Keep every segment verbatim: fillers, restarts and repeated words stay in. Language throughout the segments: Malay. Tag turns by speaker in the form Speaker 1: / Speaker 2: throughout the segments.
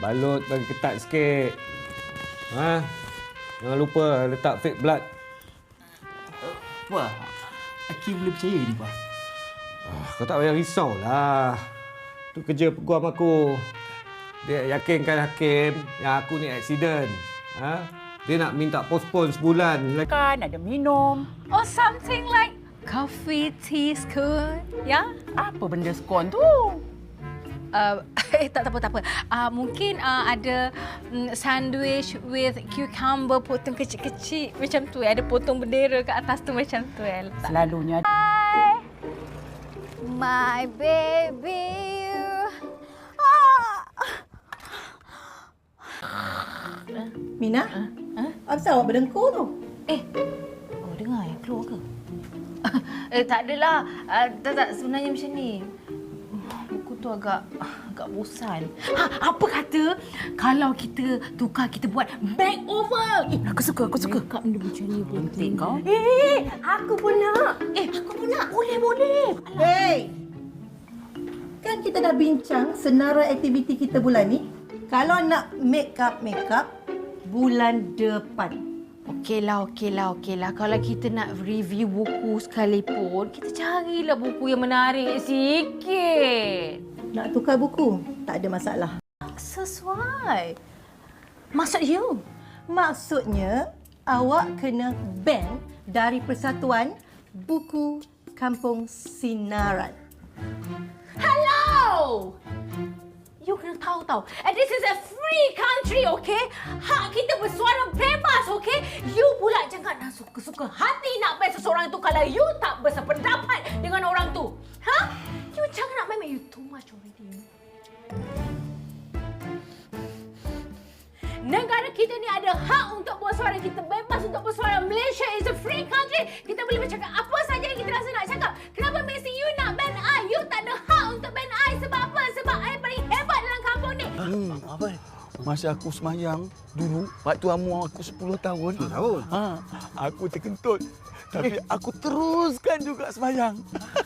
Speaker 1: balut bagi ketat sikit. Ha? Jangan lupa letak fake blood.
Speaker 2: Wah, Hakim boleh percaya ni, Pak?
Speaker 1: Oh, kau tak payah risau lah. Tu kerja peguam aku. Dia yakinkan Hakim yang aku ni accident. Ha? Dia nak minta postpone sebulan.
Speaker 3: Kan ada minum.
Speaker 4: Or something like coffee, tea, scone. Ya?
Speaker 3: Apa benda skon tu?
Speaker 4: Uh, eh, tak, tak apa, tak apa. Uh, mungkin uh, ada um, sandwich with cucumber potong kecil-kecil. Macam tu. Ada potong bendera kat atas tu macam tu. Eh. Letak.
Speaker 3: Selalunya.
Speaker 4: Hi, my baby.
Speaker 5: Mina?
Speaker 3: Ha? Ha?
Speaker 5: Apa pasal awak berdengkur tu?
Speaker 3: Eh, oh dengar yang keluar ke? eh, tak adalah. Uh, tak, tak, sebenarnya macam ni. Buku tu agak agak bosan. Ha, apa kata kalau kita tukar, kita buat makeover? Eh, aku suka, aku suka.
Speaker 4: Makeup benda macam ni pun
Speaker 3: Cantik kau.
Speaker 5: Eh, aku pun nak.
Speaker 3: Eh, aku pun nak. Boleh, boleh.
Speaker 5: Hey! Kan kita dah bincang senarai aktiviti kita bulan ni. Kalau nak make up make up bulan depan.
Speaker 3: Okeylah, okeylah, okeylah. Kalau kita nak review buku sekalipun, kita carilah buku yang menarik sikit.
Speaker 5: Nak tukar buku? Tak ada masalah.
Speaker 3: Sesuai. Maksud you?
Speaker 5: Maksudnya, awak kena ban dari Persatuan Buku Kampung Sinaran.
Speaker 3: Hello! You kena tahu tau. And this is a free country, okay? Hak kita bersuara bebas, okay? You pula jangan nak suka-suka hati nak ban seseorang tu kalau you tak bersependapat dengan orang tu. Ha? You jangan nak ban, you too much already. Negara kita ni ada hak untuk bersuara. Kita bebas untuk bersuara. Malaysia is a free country. Kita boleh bercakap apa saja yang kita rasa nak cakap. Kenapa mesti you nak ban I? You tak ada hak untuk ban I. Sebab apa? Sebab I paling hebat dalam kampung ni.
Speaker 2: Hmm, apa? Masa aku semayang dulu, waktu umur aku sepuluh tahun.
Speaker 1: sepuluh tahun?
Speaker 2: Ha, aku terkentut. Tapi aku teruskan juga semayang.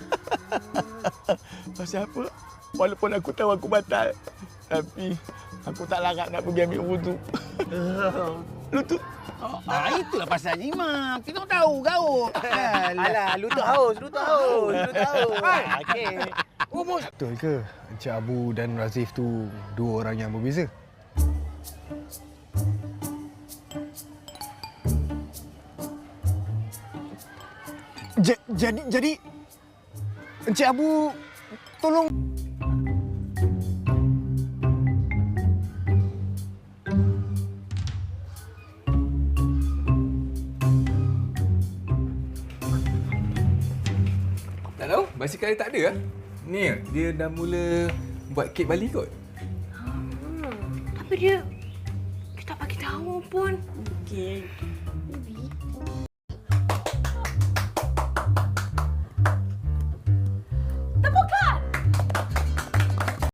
Speaker 2: Pasal apa? Walaupun aku tahu aku batal. Tapi aku tak larat nak pergi ambil wudu. Lutut.
Speaker 6: Ah, itulah pasal imam. Kita tahu gaul.
Speaker 7: Alah, lutut haus, lutut haus, lutut haus. Okey.
Speaker 6: Umur.
Speaker 8: Betul ke Encik Abu dan Razif tu dua orang yang berbeza? J- jadi jadi Encik Abu tolong
Speaker 9: tak tahu, basikal dia tak ada lah. Ni, dia dah mula buat kek Bali kot.
Speaker 3: Hmm, tapi dia dia tak bagi tahu pun.
Speaker 5: Okey.